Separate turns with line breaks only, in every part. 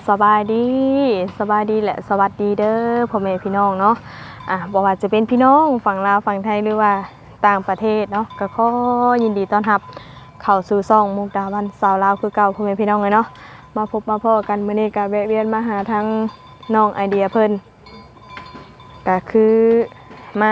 สบายดีสบายดีแหละสวัสดีเด้อพ่อแม่พี่น้องเนาะบ่ว่าจะเป็นพี่น้องฝั่งลาวฝั่งไทยหรือว่าต่างประเทศเนาะก็ขอยินดีต้อนรับเข้าสู่ช่องมุกดาวันสาวลาวคือเก่าพ่อแม่พี่น้องเลยเนาะมาพบมาพ้อกันมื้อนี้ก็แวะเวียนมาหาทางน้องไอเดียเพิ่นก็คือมา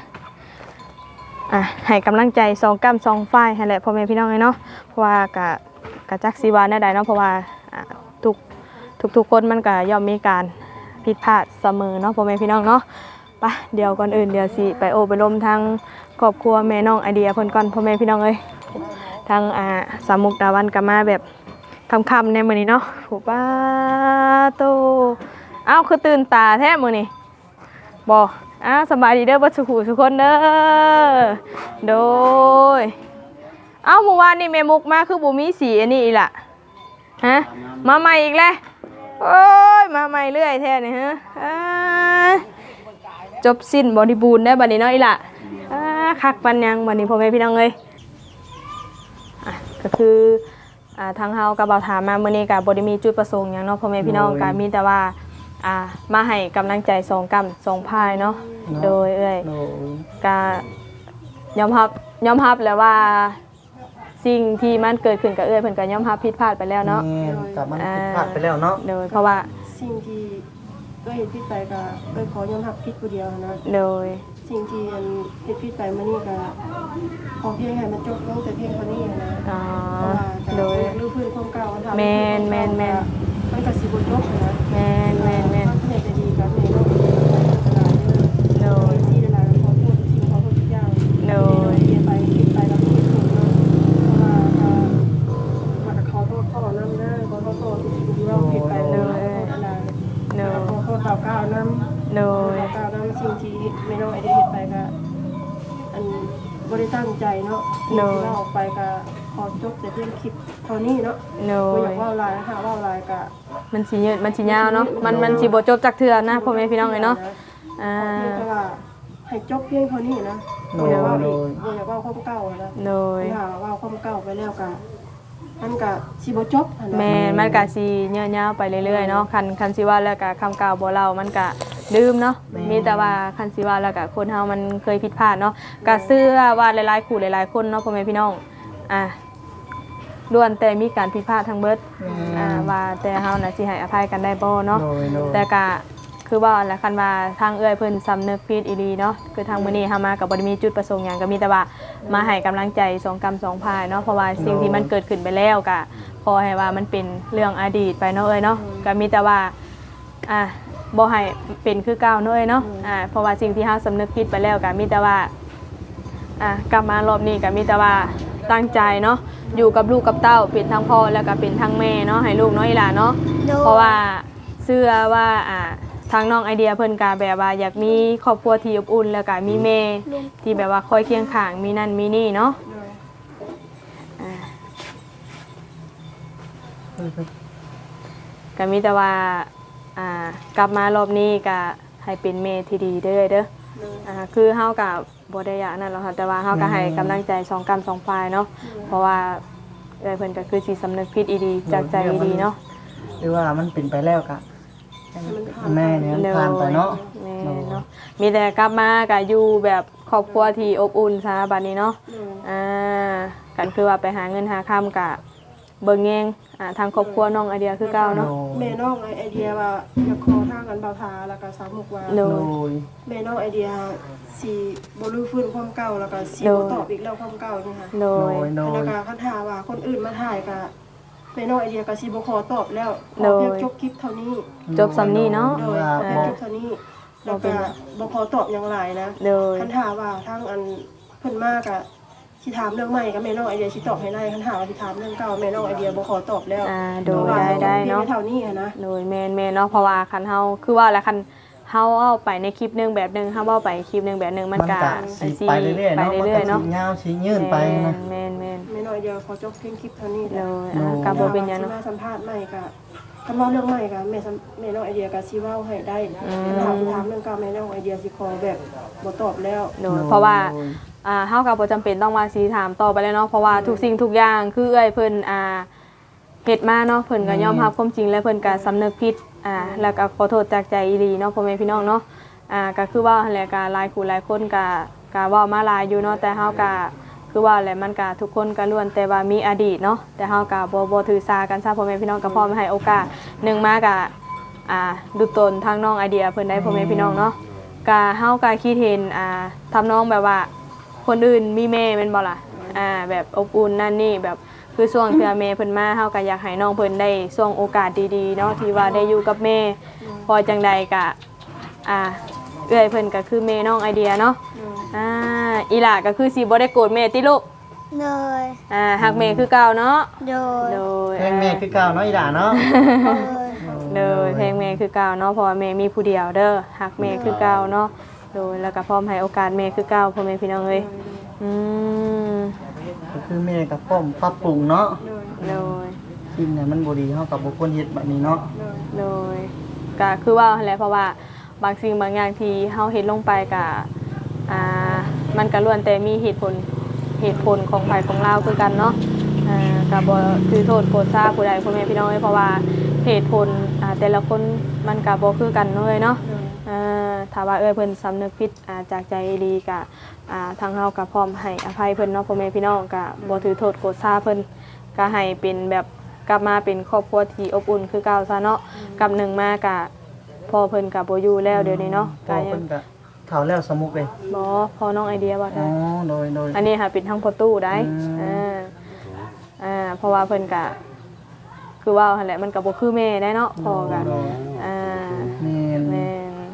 ให้กำลังใจ2กำ2ฝ่ายนั่นแหละพ่อแม่พี่น้องเลยเนาะเพราะว่าก็จักสิว่าแนวใดเนาะเพราะว่าทุกคนมันก็ย่อมมีการผิดพลาดเสมอเนาะพ่อแม่พี่น้องเนาะไปเดี๋ยวก่อนอื่นเดี๋ยวสิไปโอไปลมทางครอบครัวแม่น้องไอเดียเพิ่นก่อนพ่อแม่พี่น้องเอ้ยทางสามมุกดาวันก็มาแบบค่ำๆในมื้อนี้เนาะโหป้าโตเอ้าคือตื่นตาแท้มื้อนี้บ่สบายดีเด้อบ่ทุกคนเด้อโดยเอ้าเมื่อวานนี่แม่มุกมาคือบ่มีสีอันนี้อีกล่ะฮะมาใหม่อีกแล้วโอ้ยมาใหม่เรื่อยแท้นี่ฮะจบสิ้นบริบูรณ์ได้บัดนี้เนาะอีหล่ะคักปันยังบัดนี้พ่อแม่พี่น้องเอ้ยก็คือทางเฮากับบ่าวถามมามื้อนี้ก็บ่ได้มีจุดประสงค์หยังเนาะพ่อแม่พี่น้องก็มีแต่ว่ามาให้กำลังใจ2กำ2พายเนาะโดยเอ้ยก็ยอมรับแล้วว่าสิ่งที่มันเกิดขึ้นกับเอ้ยเพิ่นก็ยอมรับผิดพลาดไปแล้วเนาะ
กับมันผิดพลาดไปแล้วเนาะ
โดยเพราะว่า
สิ่งที่ก็เห็นผิดไปก็ขอยอมรับผิดผู้เดียวนะ
โดย
สิ่งที่เห็นผิดไปมานี่ก็ขอเพียงให้มันจบลงแต่เพียงเท่านี้นะ
โดย
รู้พื้นความเก่าทำ
แม่น
มันก็สิบ่จบนะ
แม่น
เฮ็ดได้ดีกับแม่เนาะ
โดย
ที่หลายๆขอโทษสิ่งขอโทษทุกอย่าง
โดย
ผิดไปแล้วผิดถูกเนาะเพราะว่าขอโทษพ่อน้ำหน้าขอโทษที่เราผิดไปเลยขอโทษเก่าๆน้ำ
โดย
เก่าๆน้ำสิ่งที่ไม่น้องไอเดียเห็นไปก็อันบริตั้งใจเนาะที่เราออกไปก็ขอจบแต่เพียงคลิปเท่านี้เนาะไม่อยากว่าลายหาว่าลายก็
มันสิยืดมันสิยาวเนาะมันสิบ่จบจักเทื่อนะพ่อแม่พี่น้องเอ้ยเนาะ
แต่ว่าให้จบเพียงเท่านี้นะอย่าว่าความเก่านะอย่าว่าความเก่าไปแล้วก็มันก็สิบ่จบ
แม่มันก็สิยาวๆไปเรื่อยๆเนาะคันสิว่าแล้วก็คำเก่าบ่เล่ามันก็ลืมเนาะมีแต่ว่าคันสิว่าแล้วก็คนเฮามันเคยผิดพลาดเนาะก็เชื่อว่าหลายๆคู่หลายๆคนเนาะพ่อแม่พี่น้องล้วนแต่มีการผิดพลาดทั้งเบิดว่าแต่เฮาน่ะสิให้อภัยกันได้บ่เนาะแต่ก็คือว่าแหละคันว่าทางเอื้อยเพิ่นสำนึกผิดอีหลีเนาะคือทางมื้อนี้เฮามาก็บ่ได้มีจุดประสงค์หยังก็มีแต่ว่ามาให้กำลังใจ2กำ2พายเนาะเพราะว่าสิ่งที่มันเกิดขึ้นไปแล้วก็ขอให้ว่ามันเป็นเรื่องอดีตไปเนาะเอ้ยเนาะก็มีแต่ว่าบ่ให้เป็นคือเก่าเนาะเอ้ยเนาะเพราะว่าสิ่งที่เฮาสำนึกผิดไปแล้วก็มีแต่ว่ากลับมารอบนี้ก็มีแต่ว่าตั้งใจเนาะอยู่กับลูกกับเต้าเป็นทั้งพ่อแล้วก็เป็นทั้งแม่เนาะให้ลูกน้อยหลานเนาะเพราะว่าเชื่อว่าทางน้องไอเดียเพิ่นก็แบบว่าอยากมีครอบครัวที่อบอุ่นแล้วก็มีแม่ที่แบบว่าคอยเคียงข้างมีนั่นมีนี่เนาะก็มีแต่ว่ากลับมารอบนี้ก็ให้เป็นแม่ที่ดีเด้อคือเฮาก็บ่ได้อยากนั่นหรอกค่ะแต่ว่าเฮาก็ให้กำลังใจ2กำ2ฝ่ายเนาะเพราะว่าเพิ่นก็คือสิสำนึกผิดอีดีจากใจอีดีเนาะ
หรือว่ามันเป็นไปแล้วก็แม่เนี่ยผ่านไปเนาะ
มีแต่กลับมาก็อยู่แบบครอบครัวที่อบอุ่นซะบัดนี้เนาะกันคือว่าไปหาเงินหาค่ำก็เบิ่งแยงทางครอบครัวน้องไอเดียคือเก่าเนาะ
แม่น้องไอเดียว่าอยากขอทางกันบ่าวทาแล้วก็สาวมุกว่าแม่น้องไอเดียสิบ่รู้ฟื้นความเก่าแล้วก็สิบ่ตอบอีกแล้วความเก่านี่ค่ะแล้วก็คันถามว่าคนอื่นมาถ่ายก็แม่น้องไอเดียก็สิบ่ขอตอบแล้วขอเพียงจบคลิปเท่านี้
จบสำนี้เนาะ
เพียงจบเท่านี้แล้วก็บ่ขอตอบอย่างหลายนะคันถามว่าทางอันเพิ่นมากอะสิถามเรื่องใหม่กับแม่น้องไอเดียสิตอบให้ได้คันถามว่าสิถามเรื่องเก่าแม่น้องไอเดียบ่ขอตอบแล้ว
โดยได้เนาะ
เท่านี้นะ
โดยแม่เนาะเพราะว่าคันเฮาคือว่าแล้วคันเฮาเอาไปในคลิปนึงแบบนึงเฮาเอาไปคลิปนึงแบบนึงมันก็
สิไปเรื่อยๆเนาะยาวสิยืนไปนะ
แม่
แม่น้องไอเดียขอจบเพียงคลิปเท่านี้
โดยก็บ่เป็นหยังเนาะ
สัมภาษณ์ใหม่ก็คำเล่าเรื่องใหม่ก็แม่น้องไอเดียก็สิเว้าให้ได้ถามเรื่องเก่าแม่น้องไอเดียสิขอแบบบ่ตอบแล้ว
เพราะว่าเฮาก็บ่จำเป็นต้องว่าสิถามต่อไปแล้วเนาะเพราะว่าทุกสิ่งทุกอย่างคือเอ้ยเพิ่นเฮ็ดมาเนาะเพิ่นก็ยอมรับความจริงและเพิ่นก็สำนึกผิดแล้วก็ขอโทษจากใจอีหลีเนาะพ่อแม่พี่น้องเนาะก็คือว่าหั่นแหละก็หลายคู่หลายคนก็เว้ามาหลายอยู่เนาะแต่เฮาก็คือว่าแหละมันก็ทุกคนก็ล้วนแต่ว่ามีอดีตเนาะแต่เฮาก็บ่ถือสากันซะพ่อแม่พี่น้องก็พร้อมให้โอกาสหนึงมาก็ดูตนทางน้องไอเดียเพิ่นได้พ่อแม่พี่น้องเนาะก็เฮาก็คิดเห็นทำน้องแบบว่าคนอื่นมีแม่แม่นบ่ล่ะแบบอบอุ่นนั่นนี่แบบคือช่วงที่แม่เพิ่นมาเฮาก็อยากให้น้องเพิ่นได้ช่วงโอกาสดีๆเนาะที่ว่าได้อยู่กับแม่พอจังใดก็เอื้อยเพิ่นก็คือแม่น้องไอเดียเนาะอีหล่าก็คือสิบ่ได้โกรธแม่ติลูก
เลย
ฮักแม่คือเก่าเนาะ
โดย
เพลงแม่คือเก่าเนาะอีหล่าเนาะ
เลยเพลงแม่คือเก่าเนาะเพราะว่าแม่มีผู้เดียวเด้อฮักแม่คือเก่าเนาะโดยแล้วก็พร้อมให้โอกาสแม่คือเก่าพ่อแม่พี่น้องเอ้ย
ก็คือแม่ก็พร้อมปรับปรุงเนาะ
โดย
สิ่งไหนมันบ่ดีเฮาก็บ่ควรเฮ็ดแบบนี้เนาะ
โดยก็คือว่าแหละเพราะว่าบางสิ่งบางอย่างที่เฮาเฮ็ดลงไปก็มันก็ล้วนแต่มีเหตุผลของไผของเราคือกันเนาะก็บ่ถือโทษโกรธซาผู้ใดพ่อแม่พี่น้องเพราะว่าเหตุผลแต่ละคนมันก็บ่คือกันเลยเนาะถ้าว่าเพิ่นสำนึกผิดจากใจดีก็ทางเฮาก็พร้อมให้อภัยเพิ่นเนาะพ่อแม่พี่น้องก็บ่ถือโทษโกรธซาเพิ่นก็ให้เป็นแบบกลับมาเป็นครอบครัวที่อบอุ่นคือเก่าซะเนาะกับหนึ่งมาก็พ่อเพิ่นก็บ่อยู่แล้วเดี๋ยวนี้เนาะ
ก็เพิ่นก็เฒ่าแล้วสมุกเลย
บ่พอน้องไอเดียว่าได้
โดย
อันนี้ค่ะเป็นทั้งพ่อตู้ได้เพราะว่าเพิ่นก็คือว่าหั่นแหละมันก็บ่คือแม่ได้เนาะพ่อก็
แม่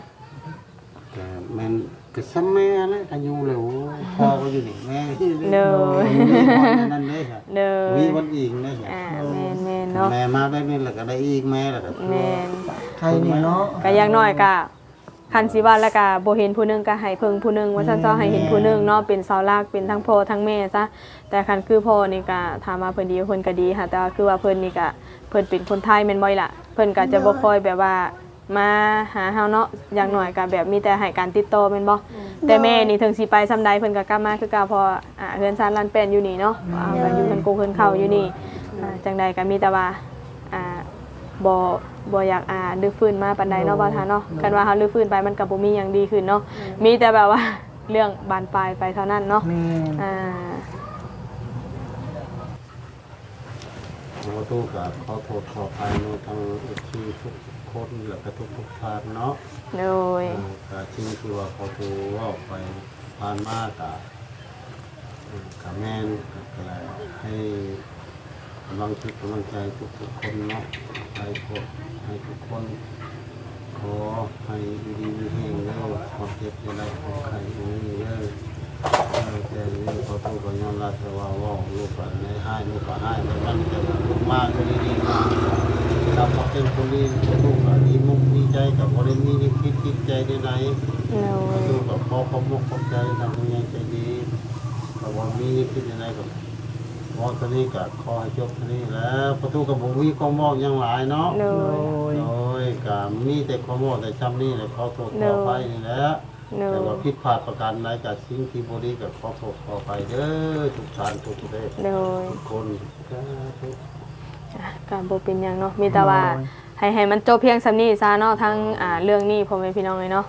มันก็ซ้ำแม่แหละอายุแล้วพ่อก็อยู่นี่แม่
เด้อ
นั่นเด้อ
เด้อ
มีวันอีกเด้อ
แม่เนาะ
แม่มาได้นี่แล้วก็ได้อีกแม่แล้วก็
แม่
ใครนี่เนาะ
ก็อย่างน้อยก็คันสิว่าแล้วก็บ่เห็นผู้นึงก็ให้เพิ่งผู้นึงว่าซั่นๆให้เห็นผู้นึงเนาะเป็นเสาหลักเป็นทั้งพ่อทั้งแม่ซะแต่คันคือพ่อนี่ก็ถามว่าเพิ่นดีเพิ่นก็ดีค่ะแต่ว่าคือว่าเพิ่นนี่ก็เพิ่นเป็นคนไทยแม่นบ่ล่ะเพิ่นก็จะบ่ค่อยแบบว่ามาหาเฮาเนาะอย่างน้อยก็แบบมีแต่ให้การติดต่อแม่นบ่แต่แม่นี่ถึงสิไปซำใดเพิ่นก็กลับมาคือเก่าเพราะเฮือนซานลานแป้นอยู่นี่เนาะก็อยู่เพิ่นกูเพิ่นเข้าอยู่นี่จังใดก็มีแต่ว่าบ่อยากลื้อฟื้นมาปานใดเนาะบ่ท่าเนาะกันว่าเฮาลื้อฟื้นไปมันก็บ่มีหยังดีขึ้นเนาะมีแต่แบบว่าเรื่องบานปลายไปเท่านั้นเนาะ
ขอโทษกับขอโทษขออภัยในทางที่ทุกคนและก็ทุกท่านเนาะ
โดย
สิ่งที่ว่าขอโทษว่าไปผ่านมากับแม่นก็ให้กำลังใจทุกคนเนาะให้ทุกคนขอให้ดีมีแห่งแล้วความเจ็บจะได้ของใครนี่เลยแต่นี่ขอโทษกับยอมรับแต่ว่าลูกก็ให้ลูกก็ให้แต่มันจะลูกมากก็ดีๆเราพอเป็นคนดีลูกก็ดีมุกดีใจกับคนนี้นี่คิดใจได้ไหนลูกก็พอความมุกความใจทำยังใจดีแต่ว่ามีคิดยังไงกับมองตัวนี้กับคอให้จบตัวนี้แล้วประตูกับบุ้งวิก็มองยังหลายเนาะโดยกับมีแต่ข้อมองแต่จำนี่เลยเขาโทษขอไปนี่แหละแต่ว่าผิดพลาดประการใดกับสิ่งที่บริกับขอโทษขอไปเด้อทุกท่านทุกเด้ทุกคน
การบ่เป็นอย่างเนาะมีแต่ว่าให้มันจบเพียงส่ำนี้ซะเนาะทั้งเรื่องนี้พ่อแม่พี่น้องเลยเนาะ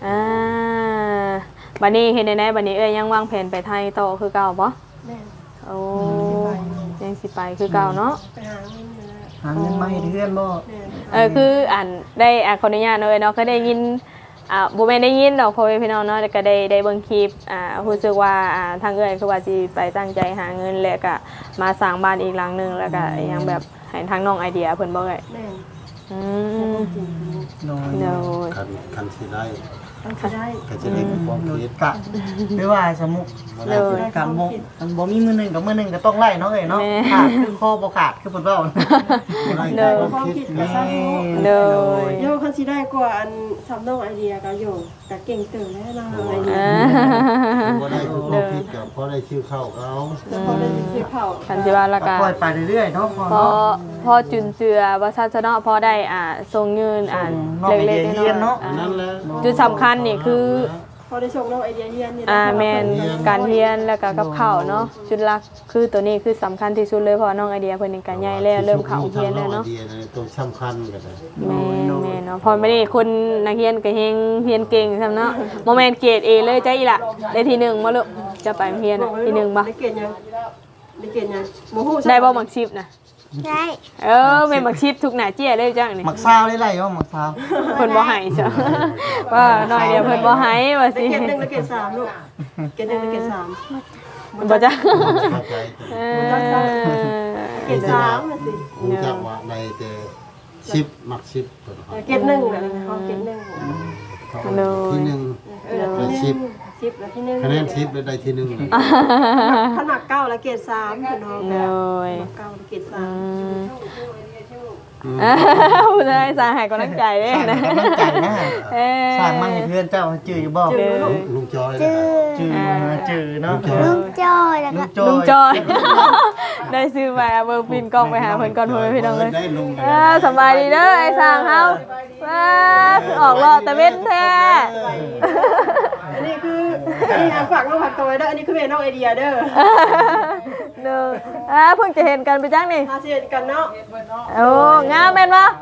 บัดนี้เฮ็ดได้บัดนี้ยังวางแผนไปไทยต่อคือเก่าบ่โอ้ยังสิไปคือเก่าเนาะ
หาเงินมาให้เพื่อนบ่
คือได้ขออนุญาตเนาะก็ได้ยินบ่แม่นได้ยินดอกพ่อแม่พี่น้องเนาะก็ได้เบิ่งคลิปรู้สึกว่าทางเอื้อยคือว่าสิไปตั้งใจหาเงินแล้วก็มาสร้างบ้านอีกหลังนึงแล้วก็ยังแบบให้ทางน้องไอเดียเพิ่นบ่เอ้ย
น้
อยคันสิได้
ก็ได้
ความคิด
กะหรือว่าสมุกกับบ่มีมือนึงกับมือนึงก็ต้องไล่เนาะเอ้ยเนาะขาดคือคอบ่ขาดคือเพิ่นเว้า
ความคิดก็ซักโยคันสิได้กว่าอันซ้ำน้องไอเดียก็โยก็เก่งเติบแล้วน้องไอเดีย
บ่ได้ความคิดก็พอได้ชื่อเข้าเขา
พอได้ชื่อเข้า
คันสิว่าแล้วก็
ปล่อยไปเรื่อยๆเนาะ
พอจุนเจือว่าซั่นซะเนาะพอได้ส่งเงินเล็กๆน้อยๆ
เนาะ
จุดสำคัญนี่คือ
พอได้ส่งน้องไอเดียเฮียนนี่
แม่นการเรียนแล้วก็กับข้าวเนาะจุดหลักคือตัวนี้คือสำคัญที่สุดเลยเพราะน้องไอเดียเพิ่นนี่ก็ใหญ่แล้วเริ่มเข้าเรียนแล้วเนาะ
ไอเดียตัวสำคัญก็ได้
แม่เนาะพอไม่ได้คนนักเรียนก็เฮงเรียนเก่งซำเนาะบ่แม่นเกรด A เลยจ้ะอีหล่ะได้ที่1บ่ลูกจะไปเรียนที่1บ่
ได้เกณฑ์ยังได้เกณฑ์ยังบ่ฮู้
ได้บ่มักชิปนะ
ได้
แม่มักชิปทุกหน้าเจี้ยเลยจังนี่
หมักซาวได้ไรวะหมักซาว
เพิ่นบ่ให้จ้ะว่าน้อยเดียวเพิ่นบ่ให้ว่า
ได้
สิ
เกณฑ์1ได้เกณฑ์3ลูกเกณฑ์1ได้เกณฑ์3
บ่จ้ะ
เข้าใจ
เกณฑ์3น่ะสิ
รู้จักว่าในแต่ชิปมักชิป
เกณฑ์1น่ะเขาเกณฑ์1
ที่หนึ่ง
ที่ชิปแล้วที่1
คะแนนชิปได้ที่หนึ่ง
ขนาด9แล้วเกรด3พี่น้อง
โดย
9เกรด
ผู้ชายสาให้กำลังใจเด้
สร้าง
นะ
กำลังใจนะสร้างมาให้เพื่อนเจ้าจื้ออยู่บ่
ลุงจอย
จื้อ
จื้อเนาะ
ลุงจอยแล้วก็
ลุงจอยได้ซื้อมาเบอร์ปินกล้องไปหาเพิ่นก่อนเพิ่นพี่น้องเลย
ได้ลุง
สบายดีเด้อไอ้สร้างเฮาออกรอบตะเวนแท้
อันนี้คืออันนี้ฝากน้องผักตัวไว้เด้ออันนี้คือแม่น้องไอเดียเด้อ
เด้อเพิ่งจะเห็นกันไปจังนี่
มาเสียกันเนาะ
โอ้งามแม่นบ่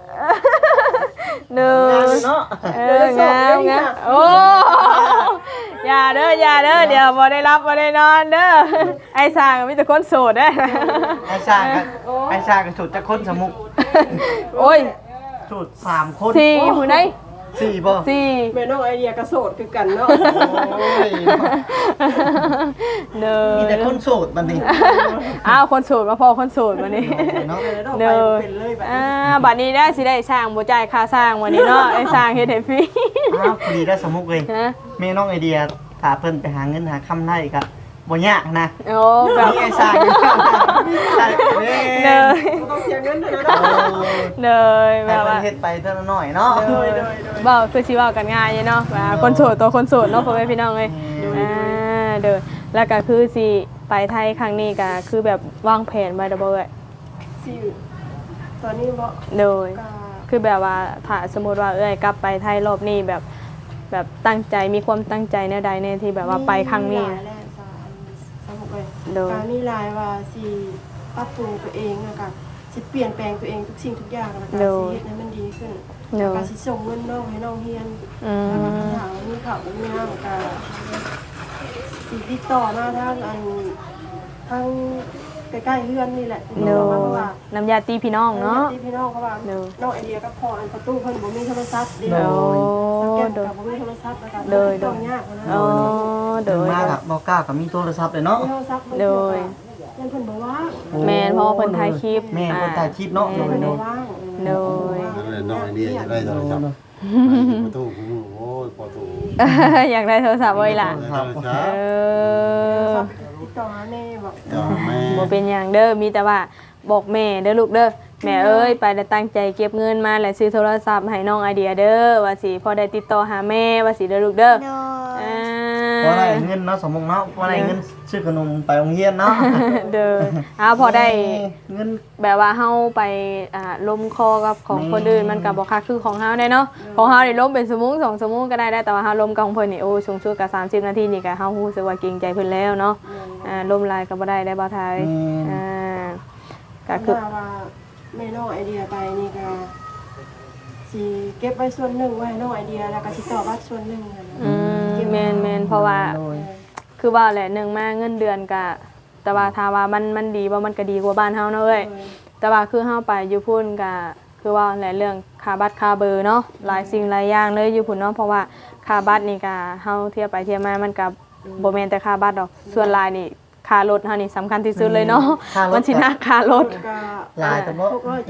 เด้อ
เนาะ
งามโอ้อย่าเด้อเดี๋ยวบ่ได้รับบ่ได้นอนเด้อไอ้สร้างมีแต่คนโสดเด้อ
ไอ้สร้างก็สุดจะคนสมุก
โอ้ย
สุด3 คน
4ผู้ใด
4บ่
4
แม่น้องไอเดียก็โสดคือกันเนาะ
โอ้ย
เด้อ
มีแต่คนโสดบัดนี้
อ้าวคนโสดมาพอคนโสดวันนี้
เนาะ
เด้อเป็นเลยแบบ
บัดนี้ได้สิได้สร้างบ่จ่ายค่าสร้างวันนี้เนาะได้สร้างเฮ็ดให้ฟรี
อ้าวพอดีได้สมุกเลย
ฮะ
แม่น้องไอเดียถ้าเพิ่นไปหาเงินหาคำได้ก็บ่ยากนะ
โอ้แบบ
นี่ไอ้สร้างอยู่เด้
เนย
ต้องเสียเงินด้วยนะ
เนยแบ
ให้
บ
เพิ่
ว่าน
เฮ็ดไปเท่าน้อยเนาะ
เว้าคือสิเว้ากันง่ายเนาะว่าคนโสดตัวคนโสดเนาะพ่อแม่พี่น้องเอ้ยเด้อแล้วก็คือสิไปไทยครั้งนี้ก็คือแบบวางแผนไว้แล้วบ่เอ้ย
สิตอนนี้บ่
โดย
ก็
คือแบบว่าถ้าสมมุติว่าเอ้ยกลับไปไทยรอบนี้แบบตั้งใจมีความตั้งใจแนวใดในที่แบบว่าไปครั้งนี้
มีหลาย
นะ
แหละสมุกเลย
โดย
การมีหลายว่าสิปรับปรุงตัวเองแล้วก็สิเปลี่ยนแปลงตัวเองทุกสิ่งทุกอย่างแล้วก็สิเฮ็ดให้มันดีขึ้น
โด
แล้ว
ย
ก็สิส่งเงินน้องให้น้องเฮียน
อื
แล้วก็
ม
ถามมีข่าวมีน้ำก็สิติดต่อมาทางทางใกล้ๆเฮือนนี่แหละ
โด
เพราะว่า
น้ำยาตีพี่น้องเนาะ
ที่พี่น้องเขาว่า
โด
น้องไอเดียก็พออันประตูเพิ่นบ่มีโทรศัพท์เดี
โด
ยวสักแก้วกับบ่มีโทรศัพท์แล้วก็
โดย
ต้องยากกว่านั้น
อ๋อโดย
มาครับบ่กล้าก็มีโทรศัพท์เลยเนาะ
มีโทรศัพท์
โดย
ยังเพิ่นบ่ว่าง
แมนเพราะว่าเพิ่นถ่ายคลิป
แม่คนถ่ายคลิปเนาะ
เพิ่นบ่ว่าง
โดย
น้องไอเดียจะได้โทรศัพท์ประตูโอ้ยประตู
อยากได้โทรศัพท์เว้ยล่ะ
โทรศัพท์
ติดต่อหาแม่บอก
จ้าแม่
บ่เป็นหยังเด้อมีแต่ว่าบอกแม่เด้อลูกเด้อแม่เอ้ยไปได้ตั้งใจเก็บเงินมาแล้วซื้อโทรศัพท์ให้น้องไอเดียเด้อว่าสิพอได้ติดต่อหาแม่ว่าสิเด้อลูกเด้อ
โดย
เพราะอะไรเงินเนาะสมมุติเนาะเพราะอะไรเงินซื้อขนมไปโรงเรียนเนาะ
เด้อพอได้
เงิน
แบบว่าเฮาไปล้มคอกับของคนอื่นมันก็บ่คักคือของเฮาได้เนาะของเฮานี่ล้มเป็นชั่วโมง2ชั่วโมงก็ได้แต่ว่าเฮาล้มกับของเพิ่นนี่โอ้สูงสุดก็30นาทีนี่ก็เฮารู้สึกว่าเกรงใจเพิ่นแล้วเนาะล้มลายก็บ่ได้บ่ทายก็คือ
ว่าแม่น้องไอเดียไปนี่ก็สิเก็บไว้ส่วนหนึ่งไว้ให้น้องไอเดียแล้วก็สิต่อบัตรส่วนหนึ่งนะ
แม่นเพราะว่าคือว่าแหละหนึ่งมาเงินเดือนก็แต่ว่าถ้าว่ามันดีว่ามันก็ดีกว่าบ้านเฮาเนาะเอ้ยแต่ว่าคือเฮาไปอยู่พุ่นก็คือว่าแหละเรื่องค่าบัตรค่าเบอร์เนาะหลายสิ่งหลายอย่างเลยอยู่พุ่นเนาะเพราะว่าค่าบัตรนี่ก็เฮาเทียบไปเทียบมามันก็บ่แม่นแต่ค่าบัตรดอกส่วนหลายนี่ค่ารถเฮานี่สำคัญที่สุดเลยเนาะมันสินักค่ารถ
ก็
หลายแต่ว่า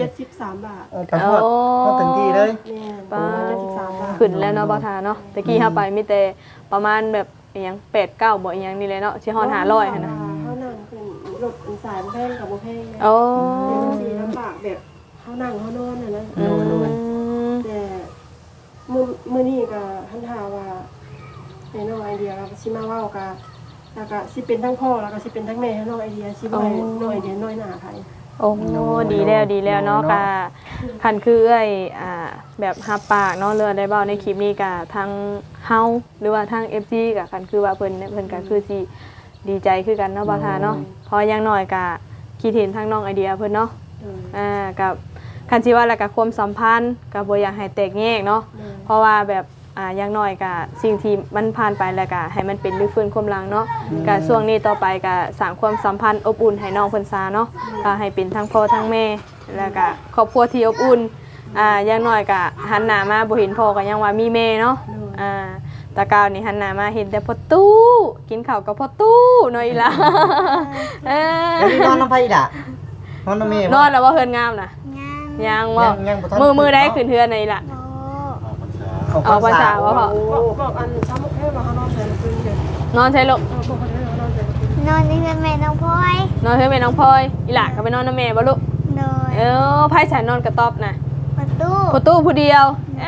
673 บาท
กระทอดก็ถึงที่เลย
แม่673 บาท
ขึ้นแล้วเนาะบ่ทาเนาะตะกี้เฮาไปมีแต่ประมาณแบบอีหยัง8 9บ่อีหยังนี่เลยเนาะสิฮอด500หั่นน่ะ
เขานั่งเป็นรถสายแพงกับบ่แพง
โอ้
เดี๋ยวสีลำบากแบบเขานั่งเขานอนน่ะนะแต่มื้อนี้ก็ท่านถามว่าเป็นน้องไอเดียก็สิมาเว้ากันแล้วก็สิเป็นทั้งพ่อแล้วก็สิเป็นทั้งแม่ให้น้องไอเดียสิบ่ให้น้องไอเดียน้อยหน้าใคร
โอ้ดีแล้วเนาะก็คันคือเอ้ยแบบรับปากเนาะเรือได้เว้าในคลิปนี้ก็ทางเฮาหรือว่าทาง FC ก็คันคือว่าเพิ่นก็คือสิดีใจคือกันเนาะบ่าวทาเนาะเพราะอย่างน้อยก็คิดเห็นทางน้องไอเดียเพิ่นเนาะกับคันสิว่าแล้วก็ความสัมพันธ์ก็บ่อยากให้แตกแยกเนาะเพราะว่าแบบอย่างน้อยก็สิ่งที่มันผ่านไปแล้วก็ให้มันเป็นรื้อฟื้นความหลังเนาะก็ช่วงนี้ต่อไปก็สร้างความสัมพันธ์อบอุ่นให้น้องเพิ่นซาเนาะก็ให้เป็นทั้งพ่อทั้งแม่แล้วก็ครอบครัวที่อบอุ่นอย่างน้อยก็หันหน้ามาบ่เห็นพ่อก็ยังว่ามีแม่เนาะตะกาวนี่หันหน้ามาเห็นแต่พ่อตู้กินข้าวกับพ่อตู้เนาะอีหล่ะ
แล้วนี่นอนน้ำไผอีล่ะนอนน้ำแม่
นอนแล้วว่าเฮือนงามน่ะยังว่ามือได้ขึ้นเฮือนนี่ล่ะเอาภาษาว่าพอ
บอกอันซ้ำให้ว่าเฮานอนใส่คืนเดียวน
อนใช่ลูก
นอนที่แม่น้องพลอย
นอนเฮือนแม่น้องพลอยอีหล่ะก็ไปนอนนำแม่บ่ลูก
โดย
ไผฉันนอนกระต๊อบน่ะ
ประตู
ผู้เดียว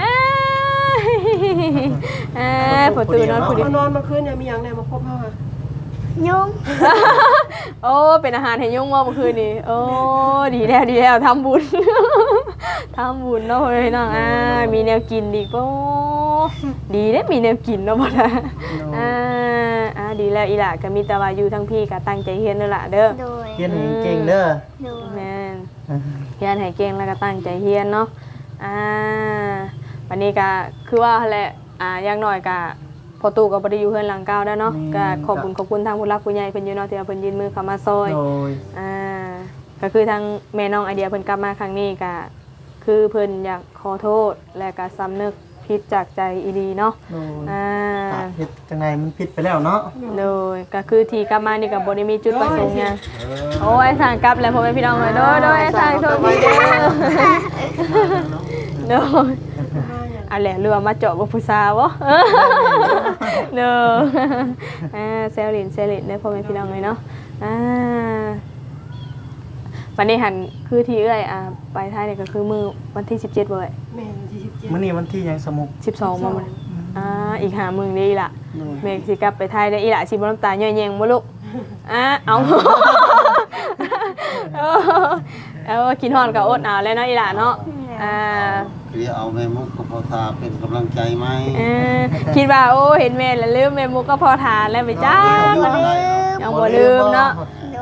ประตูนอนผู้เดียวน
อนเมื่อคืนเนี่ยมีหยังแน่มาพบเฮาค่ะ
ยุง
โอ้เป็นอาหารให้ยุงว่าเมื่อคืนนี้โอ้ดีแล้วทำบุญทำบุญเนาะพี่น้องมีแนวกินดีป่ะดีได้มีแนวกินเนาะบ่ล่ะดีแล้วอีหล่ะก็มีแต่ว่าอยู่ทั้งพี่ก็ตั้งใจเรียนเด้อล่ะเด้อ
เรียนให้เก่งเด้อ
แม่นเรียนให้เก่งแล้วก็ตั้งใจเรียนเนาะวันนี้ก็คือว่าแหละอย่างน้อยก็พอตู่ก็บ่ได้อยู่เฮือนหลังเก่าแล้วเนาะก็ขอบคุณทางผู้รักผู้ใหญ่เพิ่นอยู่เนาะที่ว่าเพิ่นยื่นมือเข้ามาซอยก็คือทางแม่น้องไอเดียเพิ่นกลับมาครั้งนี้ก็คือเพิ่นอยากขอโทษและก็สำนึกผิดจากใจอีดีเนาะ
ผิดจังไงมันผิดไปแล้วเนาะ
โดยก็คือที่กลับมานี่ก็บ่ได้มีจุดประสงค์หยังโอ้ยสั่งกลับแล้วพ่อแม่พี่น้องเลยโดยสั่งโทษดีเด้ออะไรเรือมาเจาะบุผู้สาวะเด้อเซลลินเนี่ยพ่อแม่พี่น้องเลยเนาะวันนี้หันคือที่ไปท้ายเนี่ยก็คือมือวันที่17เว้ย
แม่นที่17
มื้อนี้วันที่ยังสมุก
12มาอีก5มื้อนี่ล่ะแม่สิกลับไปท้ายได้อีล่ะสิบ่น้ำตาย่อยแยงบ่ลูกเอากินฮอนก็อดเอาแล้วเนาะอีล่ะเนาะ
เรียเอาแม่มุกกับพ่อทาเป็นกำลังใจไหม
คิดว่าโอ้เห็นแม่แล้วลืมแม่มุกก็พอทานแล้วไปจ้ายังบ่ลืมเนาะ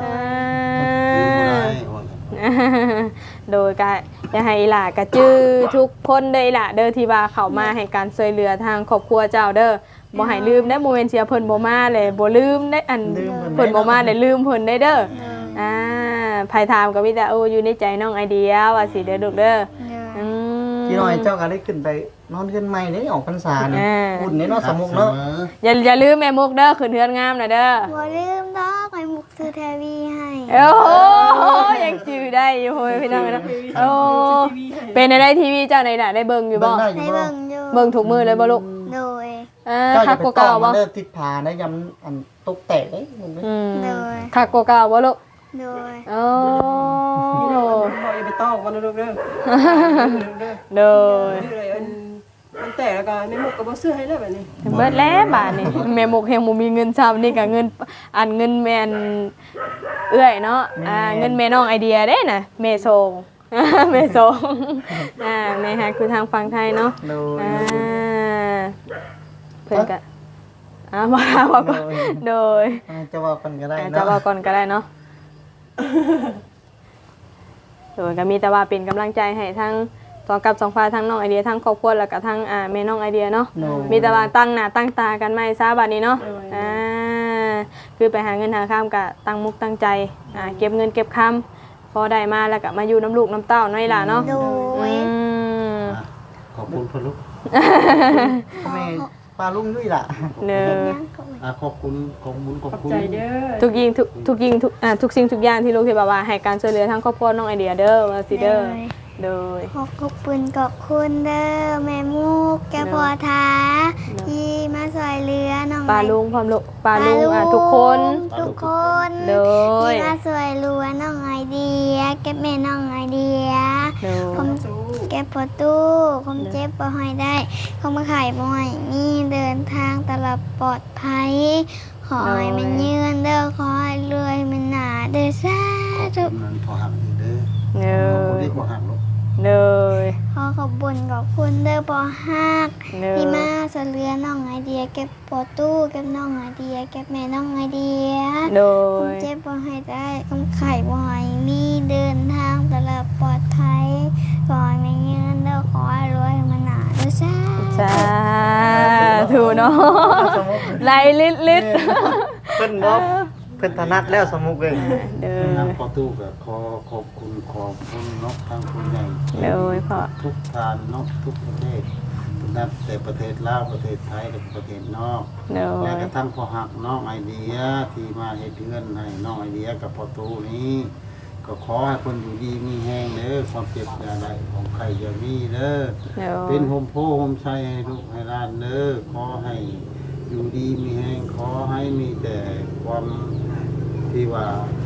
โดยก็จะให้ล่ะกระจื้อทุกคนได้ล่ะเด้อที่ว่าเข้ามาให้การช่วยเหลือทางครอบครัวเจ้าเด้อบ่ให้ลืมได้โมเมนต์เสียเพิ่นบ่มาเลยบ่ลืมได้อันเพิ่นบ่มาได้ลืมเพิ่นได้เด้อไผถามก็มีแต่อยู่ในใจน้องไอเดียว่าสิเด้อลูกเด้อ
พี่น้อยเจ้าก็ได้ขึ้นไปนอนขึ้นใหม่ได้ออกพรรษานี่บุญนี่เนาะสมุกเนาะ
อย่าลืมแม่มุกเด้อขึ้นเฮือนงามน่ะเด้อ
บ่ลืมดอกไอ้มุกซื้อทีวีให้
โอ้ยังจื้อได้อยู่โหยพี่น้องเนาะเป็นในทีวีเจ้าไหนน่ะได้เบิ่งอยู่บ่
ได้เบิ่งอยู่
เบิ่งทุกมื้อเลยบ่ลูก
โดย
คักกว่าเก่าบ่
เด้อติดผาได้ยำอันตกแตกได้
โดย
คักกว่าเก่าบ่ลูก
โดย
บ่อย่าไปตอกมันลูกเด้อ
โดย
มันแต่แล้วก็แม่มุกก็บ่ซื้อให้แล้วแบบนี้
เบิดแล้วบาดนี้แม่มุกแฮงบ่มีเงินซ้ำนี่ก็เงินเงินแม่นเอื้อยเนาะเงินแม่น้องไอเดียเด้น่ะแม่ส่งแม่ส่งแม่ฮะคือทางฝั่งไทยเนาะเพิ่นก็มาว่าก่อนโดย
จะว่าก่อนก็ได้เนาะ
จะว่าก่อนก็ได้เนาะโดยก็มีแต่ว่าเป็นกำลังใจให้ทั้งสองฝ่ายทั้งน้องไอเดียทั้งครอบครัวแล้วก็ทั้งแม่น้องไอเดียเนาะมีแต่ว่าตั้งหน้าตั้งตากันไม่ซะบัดนี้เนาะคือไปหาเงินหาข้ามก็ตั้งมุกตั้งใจเก็บเงินเก็บคำพอได้มาแล้วก็มาอยู่น้ำลูกน้ำเต้าน้อยล่ะเนาะ
ขอบคุณพ่อลูก
แม่ปลาลุงด้วยล่ะ
เด้
อขอบคุณ
ทุกสิ่งทุกอย่างที่ลูกที่บอกว่าให้การช่วยเหลือทั้งครอบครัวน้องไอเดียเด้อว่าสิเด้อโดย
ขอบคุณเด้อแม่มุกแกพอท้าที่มาช่วยเหลือน้อง
ปลาลุงพร้อมลูกปลาลุงทุกคน
โดยที่มาช่วยเหลือน้องไอเดียแกแม่น้องไอเดียผมแกพอตู้ผมเจ็บบ่ให้ได้เขามาขายบ่ให้มีเดินทางตลอดปลอดภัยขอให้มันยืนเด้อขอให้รวยมันหนาเด้อสาธุ
ขอบคุณพอหักเด้อขอบคุณที่พอหักลูก
เลย
ขอขอบคุญขอบคุณเด้อพอฮัก
เด้อ
ที่มาสะเลือน้องไอเดียเก็บปอตู้เก็บน้องไอเดียเก็บแม่น้องไอเดีย
โด
ค
ย
เจ็บบ่ให้ได้คำไข่บ่ให้มีเดินทางตลอดปลอดภัยขอให้มีเงินเด้อขอให้รวยมาหนาเด้อซ่า
สาธุเนาะไหลลิด
เพิ่นบ่เพิ่นถนัดแล้วสมุกเอ้ย
เด้อ
ทางประตูก็ขอขอบคุณเนาะทางคุณใหญ่
เด้อพ่อ
ทุกทานเนาะทุกประเทศนับแต่ประเทศลาวประเทศไทยและประเทศนอก
เด้อ
และกระทั่งพอหักน้องไอเดียที่มาเฮ็ดเงินให้น้องไอเดียกับประตูนี้ ก็ขอให้คนอยู่ดีมีแห้งเด้อความเจ็บอย่าได้ของใครอย่ามีเด้อ
เด้อ
เป็นโฮมโพโฮมชัยให้ลูกให้หลานเด้อขอให้อยู่ดีมีแห้งขอให้มีแต่ความที่ว่า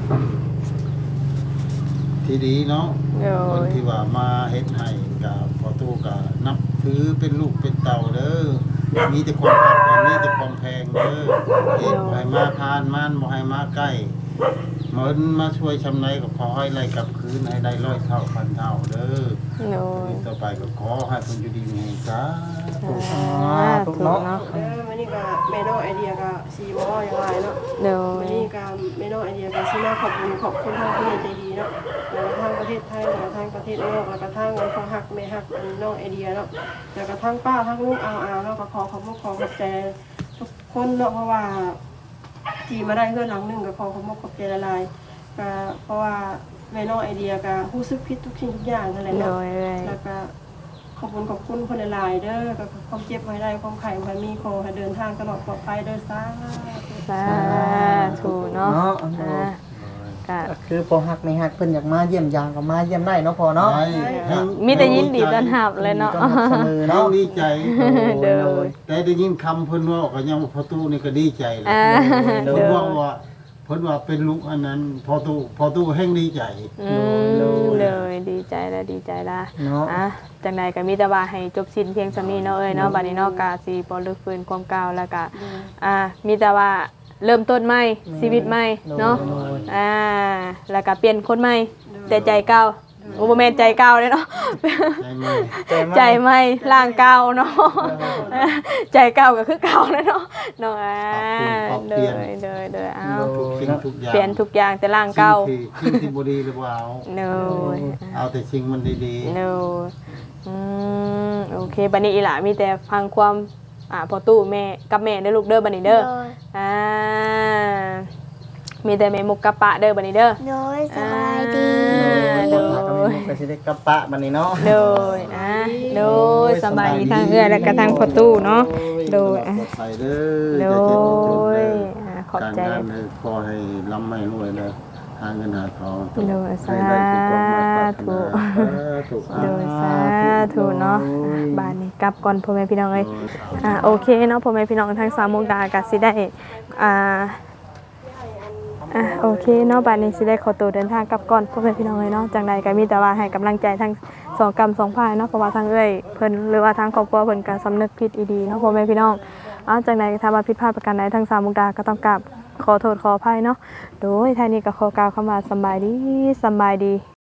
ที่ดีเนาะ
เด้อ
คนที่ว่ามาเฮ็ดให้กับพอตู้ก็นับถือเป็นลูกเป็นเต่าเด้อมีแต่ความรักมีแต่ความแพงเด้อเฮ็ดบ่ให้มาพานมันบ่ให้มาใกล้เหมือนมาช่วยชำไรก็ขอให้ไล่กลับคืนให้ได้100 เท่าพันเท่าเด้อ
เด้อ
ต่อไปก็ขอให้เพิ่นอยู่ดีมีแรงจ้าธุ
สาธุเนาะ
วันนี้ก็แม่น้องไอเดียก็สีบ่อย่างไรเนาะ
เด้อ
วันนี้ก็แม่น้องไอเดียก็สิมาขอบคุณทางผู้ใหญ่ใจดีเนาะแล้วก็ทางประเทศไทยแล้วก็ทางประเทศนอกแล้วก็ทางพ่อฮักแม่ฮักน้องไอเดียเนาะแล้วก็ทางป้าทางลูกเอาเนาะก็ขอขอบใจทุกคนเนาะเพราะว่าที่มาได้เพื่อนหลังหนึงก็ขอบใจละลายก็เพราะว่าแม่น้องไอเดียก็รู้สึกผิดทุกสิ่งทุกอย่างนั่นแหละ
เด้
เนาะ
อเอ้ย
แล้วก็ขอบคุณคนหลายๆเด้อก็ความเจ็บไว้ได้ความไข่ไว้มีขอให้เดินทางตลอดปลอดภัยเด้อซ่า
สาธุเนาะอ่าก็
ก็คือพอฮักไม่ฮักเพิ่นอยากมาเยี่ยมยามก็มาเยี่ยมได้เนาะพอเนาะ
มีแต่ยินดีต้อนรับเลยเนาะ
ต้อนรับเสมอ
น้อ
เนาะ
งดีใจ
เด้อ
แต่ได้ยินคำเพิ่นว่าก็ยังพอตู้นี่ก็ดีใจเลย
อ่า
เพิ่น
เด้อ
ว่าเพิ่นว่าเป็นลูกอันนั้นพอตู้แห่งดีใจ
เลยดีใจแล้วดีใจละ
เนาะ
อ่ะจังใดก็มีแต่ว่าให้จบสิ้นเพียงสำนี้เนาะเอ้ยเนาะบัดนี้เนาะกาสิบ่ลึกฟื้นความเก่าแล้วก็มีแต่ว่าเริ่มต้นใหม่ชีวิตใหม่เนาะแล้วก็เปลี่ยนคนใหม่แต่ใจเก่าโอ้บ่แม่นใจเก่าเด้เนาะ
ใจไหม
ใจใหม่ร่างเก่าเนาะใจเก่าก็คือเก่าแล้วเนาะเนาะเด้อเอา
ทุกสิ่งทุกอย่าง
เปลี่ยนทุกอย่างแต่ร่างเก่า
สิ่งที่บ่ดีหรือเปล่า
เนาะ
เอาแต่สิ่งมันดี
เนาโอเคบัดนี้อีหล่ะมีแต่ฟังความพอตู้แม่กับแม่เด้อลูกเด้อบัดนี้เด้อ
โดย
มีแต่แม่มุกกับปะเด้อบัดนี้เด้อ
โดยสบายดี
โดยก็สิได้กลับปะบัดนี้เนาะ
โดยโดยสบายดีทางเอื้อและก็ทางพอตู้เนาะโดย
ปลอดภัยเด้
โด
ออย่าเจ็บอย่าจน
ย
เด้อ
ขอบ
การ
ใจ
งานให้ขอให้ร่ำให้รวยเด้อหาเงินหาทอง
โดยสา
ให้ได้ทุกความหมายปรารถ
ธุ
นาถูก
โดยสาธุเนาะบ้านนี้กลับก่อนพ่อแม่พี่น้องเอ้ยโอเคเนาะพ่อแม่พี่น้องทางสามมุกดาก็สิได้โอเคเนาะบ้านนี้สิได้ขอตัวเดินทางกลับก่อนพ่อแม่พี่น้องเอ้ยเนาะจังใดก็มีแต่ว่าให้กำลังใจทั้งสองกรรมสองฝ่ายเนาะเพราะว่าทางเอ้ยเพิ่นหรือว่าทางครอบครัวเพิ่นก็สำนึกผิดอีดีเนาะพ่อแม่พี่น้องจังใดถ้าว่าผิดพลาดประการใดทางสามมุกดาก็ต้องกราบขอโทษขออภัยเนาะโดยท่านี้ก็ขอกล่าวคำว่าสำบายดี